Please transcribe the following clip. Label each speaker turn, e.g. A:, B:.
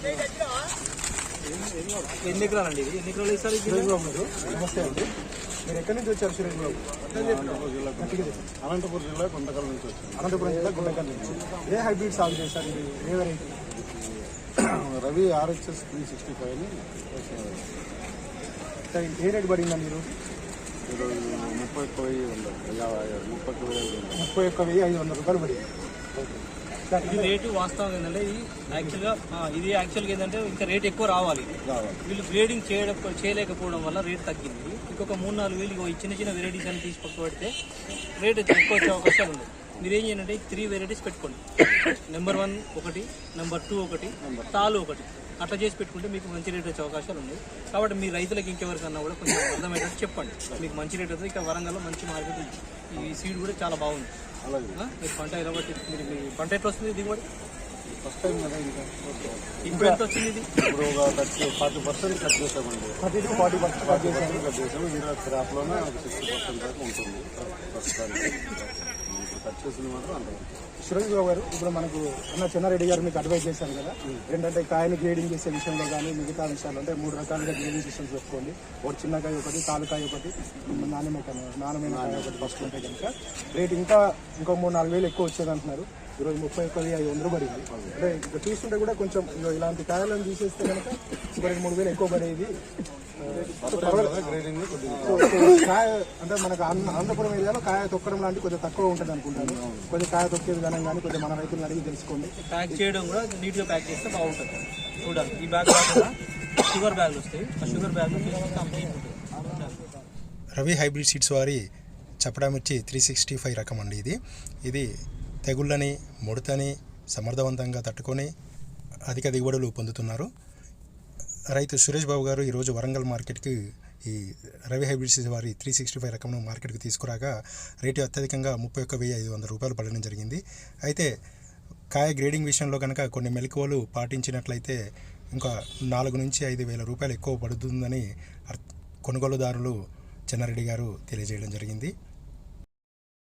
A: ఎన్ని ఎకరాలండి ఇది? ఎన్ని ఎకరాలు ఇస్తారు?
B: సురేష్ బాబు గారు నమస్తే అండి. మీరు ఎక్కడి నుంచి వచ్చారు సురేష్ బాబు?
C: అనంతపురం జిల్లా గుంటకల్ నుంచి వచ్చాను.
B: అనంతపురం జిల్లా గుంటకల్ నుంచి. ఏ హైబ్రిడ్ సాగు చేశారు మీరు? ఏ వెరైటీ?
C: రవి RHS 365 ని
B: ఏ రేటు పడిందండి ఈరోజు? 31,500 రూపాయలు పడింది.
A: ఇది రేటు వాస్తవం ఏంటంటే ఇది యాక్చువల్గా ఏంటంటే ఇంకా రేట్ ఎక్కువ రావాలి. వీళ్ళు గ్రేడింగ్ చేయలేకపోవడం వల్ల రేట్ తగ్గింది. ఇంకొక 3-4 వేలు ఈ చిన్న చిన్న వెరైటీస్ అని తీసి పక్క పెడితే రేట్ ఎక్కువ వచ్చే అవకాశాలు ఉంది. మీరు ఏం చేయండి, 3 వెరైటీస్ పెట్టుకోండి. నెంబర్ 1 ఒకటి, నెంబర్ 2 ఒకటి, తాలు ఒకటి, అట్లా చేసి పెట్టుకుంటే మీకు మంచి రేట్ వచ్చే అవకాశాలు ఉన్నాయి. కాబట్టి మీ రైతులకు ఇంకెవరికన్నా కూడా కొంచెం అర్థమయ్యేటట్టు చెప్పండి. మీకు మంచి రేట్ అవుతుంది. ఇక్కడ వరంగల్లో మంచి మార్కెట్ ఉంది. ఈ సీడ్ కూడా చాలా బాగుంది. మీరు పంట ఎలా బట్టి మీరు మీ పంట ఎట్లా వస్తుంది? దిగుబడి
C: ఫస్ట్ టైం కదా.
A: ఇప్పుడు ఎంత వచ్చింది? ఇది
C: ఇప్పుడు ఒక 40% కట్ చేసామండి.
B: 40%
C: కట్ చేసాము. ఈరోజు క్రాప్లోనే ఒక 60% దాకా ఉంటుంది ప్రస్తుతానికి. ఇప్పుడు కట్ చేసింది మాత్రం అంత.
B: సురేష్ బాబు గారు, ఇప్పుడు మనకు చెన్నారెడ్డి గారు మీకు అడ్వైజ్ చేశారు కదా, ఏంటంటే కాయని గ్రేడింగ్ చేసే విషయంలో కానీ మిగతా విషయాలు అంటే 3 రకాలుగా గ్రేడింగ్ సిస్టమ్స్ పెట్టుకోండి. ఒకటి చిన్నకాయ ఒకటి, తాలుకాయ ఒకటి, నాణ్యమైన కాయ ఒకటి ఫస్ట్ ఉంటే కనుక రేట్ ఇంకో 3-4 వేలు ఎక్కువ వచ్చేది అంటున్నారు. ఈరోజు 31,500 పడింది. అంటే ఇక్కడ చూస్తుంటే కూడా కొంచెం ఇలాంటి కాయలను తీసేస్తే కనుక ఇప్పటికి 3 వేలు ఎక్కువ పడేది. కాయ అంటే మనకు అనంతపురం ఏరియాలో కాయ తొక్కడం లాంటి కొంచెం తక్కువ ఉంటుంది అనుకుంటాను. కొంచెం కాయ తొక్కే విధానం కానీ కొంచెం మన రైతులను అడిగి తెలుసుకోండి.
A: ప్యాక్ చేయడం కూడా నీట్గా ప్యాక్ చేస్తే బాగుంటుంది. చూడాలి, ఈ బ్యాగ్ కాకుండా షుగర్ బ్యాగ్లు వస్తాయి. ఆ sugar bag
D: Ravi hybrid seeds వారి చపడామిర్చి 365 రకం అండి. ఇది తెగుళ్ళని, ముడతని సమర్థవంతంగా తట్టుకొని అధిక దిగుబడులు పొందుతున్నారు. రైతు సురేష్ బాబు గారు ఈరోజు వరంగల్ మార్కెట్కి ఈ రవి హైబ్రిడ్ సీడ్స్ వారి 365 రకంను మార్కెట్కి తీసుకురాగా రేటు అత్యధికంగా 31,500 రూపాయలు పడడం జరిగింది. అయితే కాయ గ్రేడింగ్ విషయంలో కనుక కొన్ని మెలకువలు పాటించినట్లయితే ఇంకా 4 నుంచి 5 వేల రూపాయలు ఎక్కువ పడుతుందని కొనుగోలుదారులు చెన్నారెడ్డి గారు తెలియజేయడం జరిగింది.